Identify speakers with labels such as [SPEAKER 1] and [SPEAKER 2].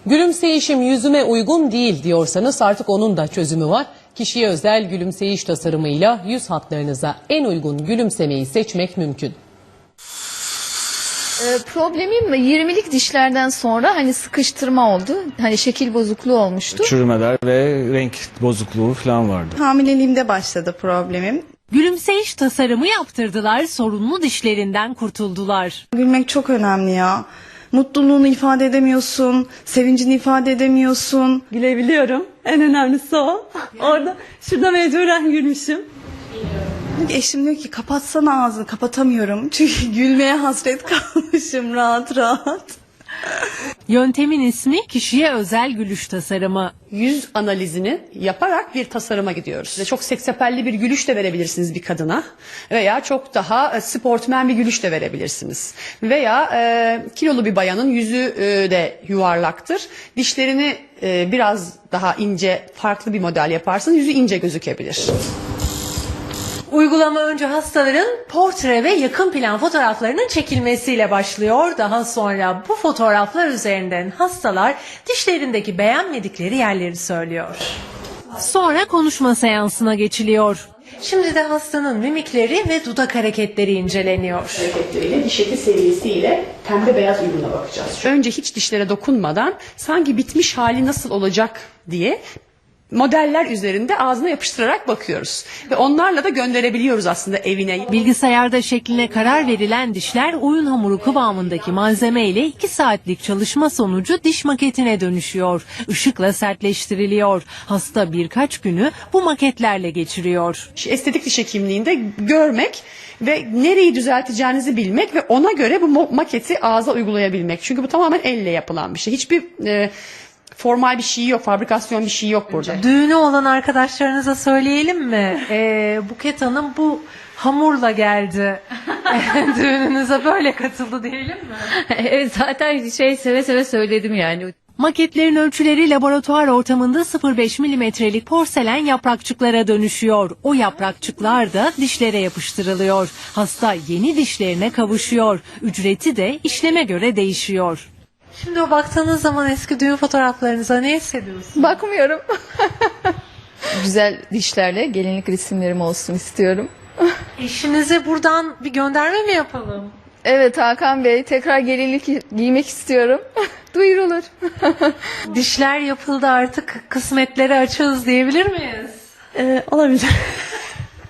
[SPEAKER 1] Gülümseyişim yüzüme uygun değil diyorsanız artık onun da çözümü var. Kişiye özel gülümseyiş tasarımıyla yüz hatlarınıza en uygun gülümsemeyi seçmek mümkün.
[SPEAKER 2] Problemim 20'lik dişlerden sonra hani sıkıştırma oldu. Hani şekil bozukluğu olmuştu.
[SPEAKER 3] Çürümeler ve renk bozukluğu falan vardı.
[SPEAKER 4] Hamileliğimde başladı problemim.
[SPEAKER 5] Gülümseyiş tasarımı yaptırdılar, sorunlu dişlerinden kurtuldular.
[SPEAKER 4] Gülmek çok önemli ya. Mutluluğunu ifade edemiyorsun, sevincini ifade edemiyorsun.
[SPEAKER 6] Gülebiliyorum. En önemlisi o. Şurada mecburen gülmüşüm.
[SPEAKER 4] Eşim diyor ki kapatsana ağzını, kapatamıyorum. Çünkü gülmeye hasret kalmışım rahat rahat.
[SPEAKER 5] Yöntemin ismi kişiye özel gülüş tasarımı.
[SPEAKER 7] Yüz analizini yaparak bir tasarıma gidiyoruz. Çok seksapelli bir gülüş de verebilirsiniz bir kadına veya çok daha sportmen bir gülüş de verebilirsiniz. Veya kilolu bir bayanın yüzü de yuvarlaktır. Dişlerini biraz daha ince, farklı bir model yaparsanız yüzü ince gözükebilir.
[SPEAKER 5] Uygulama önce hastaların portre ve yakın plan fotoğraflarının çekilmesiyle başlıyor. Daha sonra bu fotoğraflar üzerinden hastalar dişlerindeki beğenmedikleri yerleri söylüyor. Sonra konuşma seansına geçiliyor. Şimdi de hastanın mimikleri ve dudak hareketleri inceleniyor.
[SPEAKER 7] Hareketleriyle diş eti seviyesiyle pembe beyaz uyumuna bakacağız. Önce hiç dişlere dokunmadan sanki bitmiş hali nasıl olacak diye modeller üzerinde ağzına yapıştırarak bakıyoruz. Ve onlarla da gönderebiliyoruz aslında evine.
[SPEAKER 5] Bilgisayarda şekline karar verilen dişler oyun hamuru kıvamındaki malzeme ile 2 saatlik çalışma sonucu diş maketine dönüşüyor. Işıkla sertleştiriliyor. Hasta birkaç günü bu maketlerle geçiriyor.
[SPEAKER 7] Estetik diş hekimliğinde görmek ve nereyi düzelteceğinizi bilmek ve ona göre bu maketi ağza uygulayabilmek. Çünkü bu tamamen elle yapılan bir şey. Hiçbir formal bir şey yok, fabrikasyon bir şey yok burada.
[SPEAKER 5] Düğünü olan arkadaşlarınıza söyleyelim mi? Buket Hanım bu hamurla geldi. Düğününüze böyle katıldı diyelim mi?
[SPEAKER 2] Evet, zaten seve seve söyledim yani.
[SPEAKER 5] Maketlerin ölçüleri laboratuvar ortamında 0,5 milimetrelik porselen yaprakçıklara dönüşüyor. O yaprakçıklar da dişlere yapıştırılıyor. Hasta yeni dişlerine kavuşuyor. Ücreti de işleme göre değişiyor. Şimdi o baktığınız zaman eski düğün fotoğraflarınıza ne hissediyorsunuz?
[SPEAKER 2] Bakmıyorum. Güzel dişlerle gelinlik resimlerim olsun istiyorum.
[SPEAKER 5] Eşinize buradan bir gönderme mi yapalım?
[SPEAKER 2] Evet Hakan Bey, tekrar gelinlik giymek istiyorum. Duyurulur.
[SPEAKER 5] Dişler yapıldı, artık kısmetleri açığız diyebilir miyiz?
[SPEAKER 6] Olabilir.